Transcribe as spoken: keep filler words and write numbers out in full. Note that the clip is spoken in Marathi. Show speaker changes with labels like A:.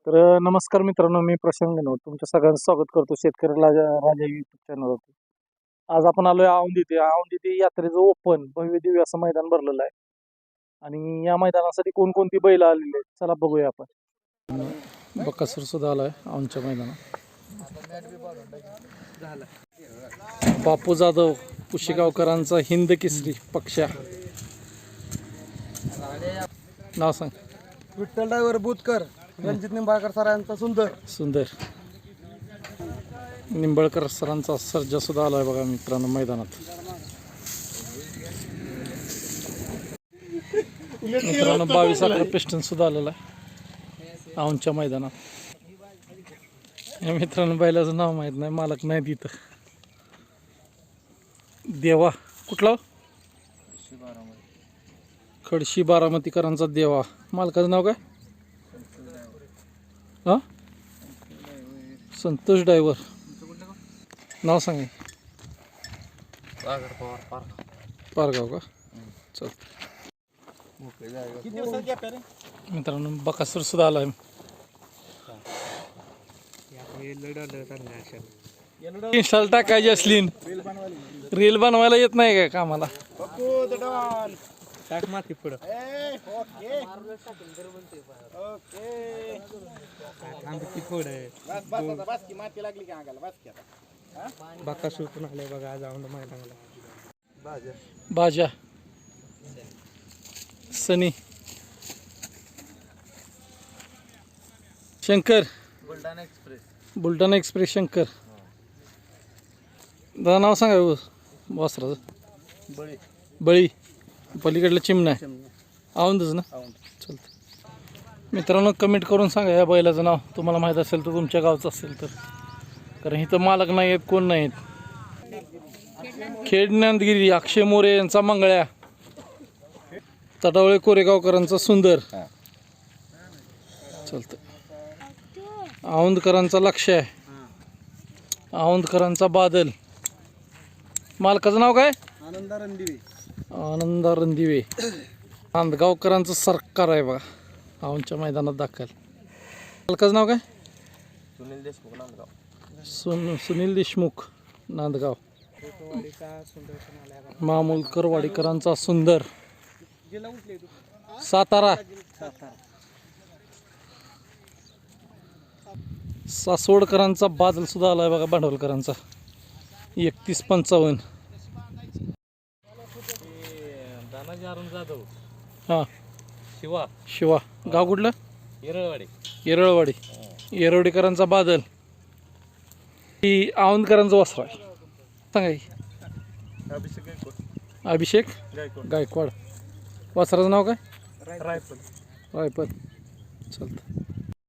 A: तर नमस्कार मित्रांनो, मी प्रशांत गणवत तुमच्या सगळ्यांचं स्वागत करतो शेतकरी राजा राजा युट्यूब चॅनलवरती. आज आपण आलोय औंध इथे. औंध इथे यात्रेचं ओपन भव्य दिव्य असं मैदान भरलेलं आहे आणि या मैदानासाठी कोणकोणती बैल आलेली आहेत चला बघूया आपण. बकासूर सुद्धा आलाय औंधच्या मैदानात. बापू जाधव पुशेगावकरांचा हिंद केसरी पक्षा. नाव सांग.
B: विठ्ठल ड्रायव्हर बुतकर, रणजित निंबाळकर सरांचा सुंदर
A: सुंदर. निंबाळकर सरांचा सर्जा सुद्धा आलाय बघा मित्रांनो मैदानात. मित्रांनो बावीस अकरा पिस्टन सुद्धा आलेला आहे औंधच्या मैदानात. या मित्रांनो बैलाचं नाव माहीत नाही, मालक नाही तिथं. देवा कुठला? खडशी बारामतीकरांचा देवा. मालकाचं नाव काय? हां संतोष ड्रायव्हर. नाव सांगा. पारगाव का? चल मित्रांनो बकासूर सुद्धा आला आहे. इन्स्टॉल टाकायची असली रील बनवायला येत नाही काय कामाला? टाक माती पुढं. बकासूर पण आले बघा आज औंध मैदानाला. बाजा Sunny Shankar
B: Buldhana express.
A: Buldhana express Shankar. दादा नाव सांगा वासराचं.
B: बळी.
A: बळी. पलीकडलं चिमणा आहे. औंधच ना? चालतं. मित्रांनो कमेंट करून सांगा या बैलाचं नाव तुम्हाला माहीत असेल तर, तुमच्या गावचं असेल तर, कारण इथं मालक नाही आहेत, कोण नाही आहेत. खेड नांदगिरी अक्षय मोरे यांचा मंगळ्या. तटावळे कोरेगावकरांचा सुंदर. चालतं. औंधकरांचा लक्ष आहे. औंधकरांचा बादल. मालकाचं नाव काय?
B: आनंदा रणदिवे.
A: आनंदा रणदिवे. नांदगावकरांचं सरकार आहे बघा औंधच्या मैदानात दाखल. मालकाचं नाव काय?
B: सुनील देशमुख नांदगाव.
A: सुन सुनील देशमुख नांदगाव. मामूलकर वाडीकरांचा सुंदर. सातारा. सासवडकरांचा बादल सुद्धा आलाय बघा भांडवलकरांचा. एकतीस पंचावन्न.
B: जाधव.
A: हां
B: शिवा.
A: शिवा. गाव कुठलं?
B: येरळवाडी.
A: येरळवाडी. येरवडीकरांचा बादल. ही औंधकरांचा वासरा आहे. सांगा की.
B: अभिषेक गायकवाड.
A: अभिषेक
B: गायकवाड.
A: गायकवाड. वासराचं नाव काय?
B: रायफल.
A: रायफल. चालतं.